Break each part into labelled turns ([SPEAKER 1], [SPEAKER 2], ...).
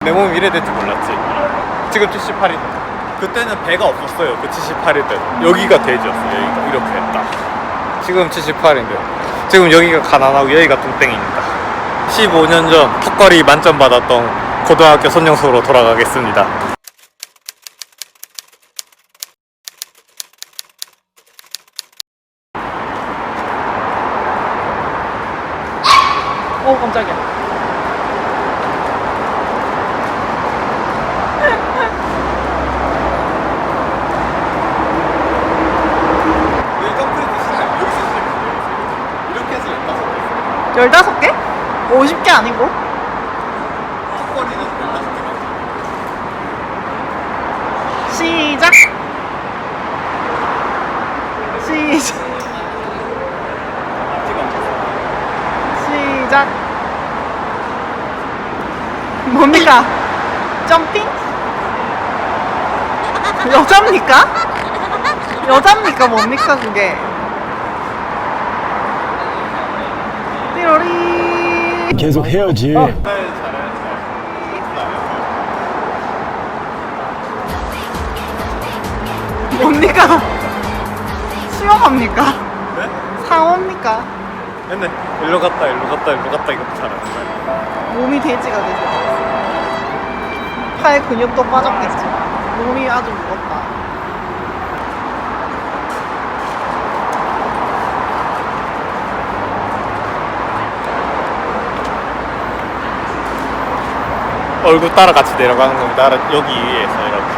[SPEAKER 1] 내 몸이 이래 될 줄 몰랐지. 지금 78일. 그때는 배가 없었어요. 그 78일 때 여기가 돼지였어요. 여기가 이렇게 했다. 지금 78인데 지금 여기가 가난하고 여기가 뚱땡입니다. 15년 전 턱걸이 만점 받았던 고등학교 손영수로 돌아가겠습니다.
[SPEAKER 2] 오 깜짝이야.
[SPEAKER 1] 이렇게 해서
[SPEAKER 2] 15개? 50개 아니고?
[SPEAKER 1] 턱걸이는 15개.
[SPEAKER 2] 시작. 시작. 시작. 뭡니까? 점핑? 여자입니까? 여자입니까? 뭡니까 그게? 띠로리.
[SPEAKER 3] 계속 해야지.
[SPEAKER 2] 뭡니까? 수영합니까?
[SPEAKER 1] 네?
[SPEAKER 2] 상어입니까?
[SPEAKER 1] 맨날 일로 갔다 일로 갔다 일로 갔다 이것도 잘하는
[SPEAKER 2] 몸이 돼지가 되죠. 팔 근육도 빠졌겠지. 몸이 아주 무겁다.
[SPEAKER 1] 얼굴 따라 같이 내려가는 겁니다. 여기 위에서 이렇게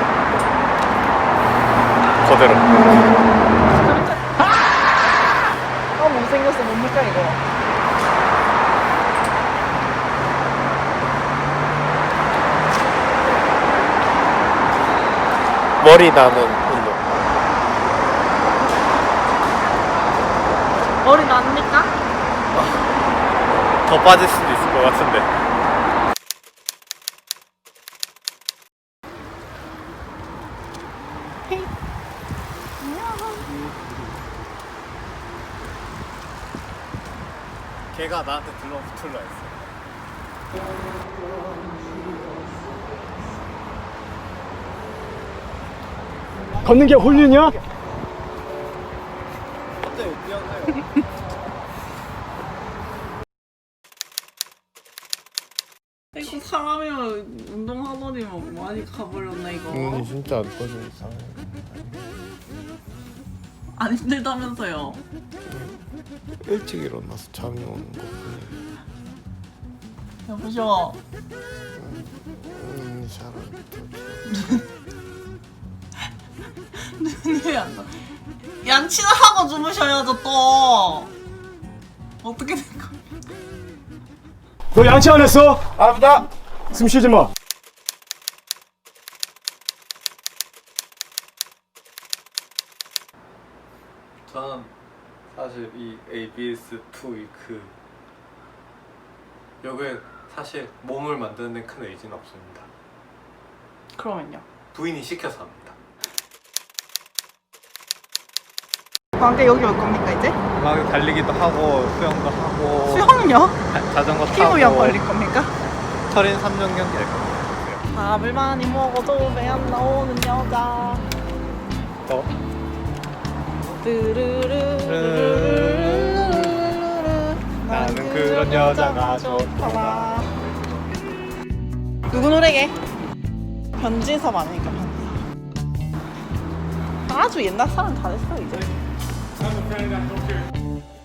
[SPEAKER 1] 그대로.
[SPEAKER 2] 못생겼어. 뭡니까 이거?
[SPEAKER 1] 머리 나는 운동.
[SPEAKER 2] 머리 납니까?
[SPEAKER 1] 더 빠질 수도 있을 것 같은데.
[SPEAKER 2] 헤이.
[SPEAKER 1] 걔가 나한테 들러붙을라 했어.
[SPEAKER 3] 걷는 게 홀륜이야?
[SPEAKER 1] 갑자기 뛰어나요.
[SPEAKER 2] 이거 사람이면 운동하더니만 많이 가버렸네 이거.
[SPEAKER 1] 진짜 안 꺼져 이상해.
[SPEAKER 2] 안 힘들다면서요?
[SPEAKER 1] 일찍 일어나서 잠이 오는 거 뿐이야.
[SPEAKER 2] 여보셔.
[SPEAKER 1] 사람이
[SPEAKER 2] 눈이 안 나. 양치는 하고 주무셔야죠 또. 어떻게 된 거야?
[SPEAKER 3] 너 양치 안 했어?
[SPEAKER 1] 아프다.
[SPEAKER 3] 숨 쉬지 마.
[SPEAKER 1] 저는 사실 이 ABS2 위크 여기에 사실 몸을 만드는 데 큰 의지는 없습니다.
[SPEAKER 2] 그러면요.
[SPEAKER 1] 부인이 시켜서 합니다.
[SPEAKER 2] 방금 여기 올 겁니까 이제?
[SPEAKER 1] 막 달리기도 하고 수영도 하고
[SPEAKER 2] 수영요?
[SPEAKER 1] 자전거 타고
[SPEAKER 2] 피부염 걸릴 겁니까?
[SPEAKER 1] 철인 3종 경기 할 겁니다.
[SPEAKER 2] 밥을 많이 먹어도 배 안 나오는 여자.
[SPEAKER 1] 나는 그런 여자가 좋더라.
[SPEAKER 2] 누구 노래게? 변진섭 아닙니까 변진섭. 아주 옛날 사람 다 됐어 이제.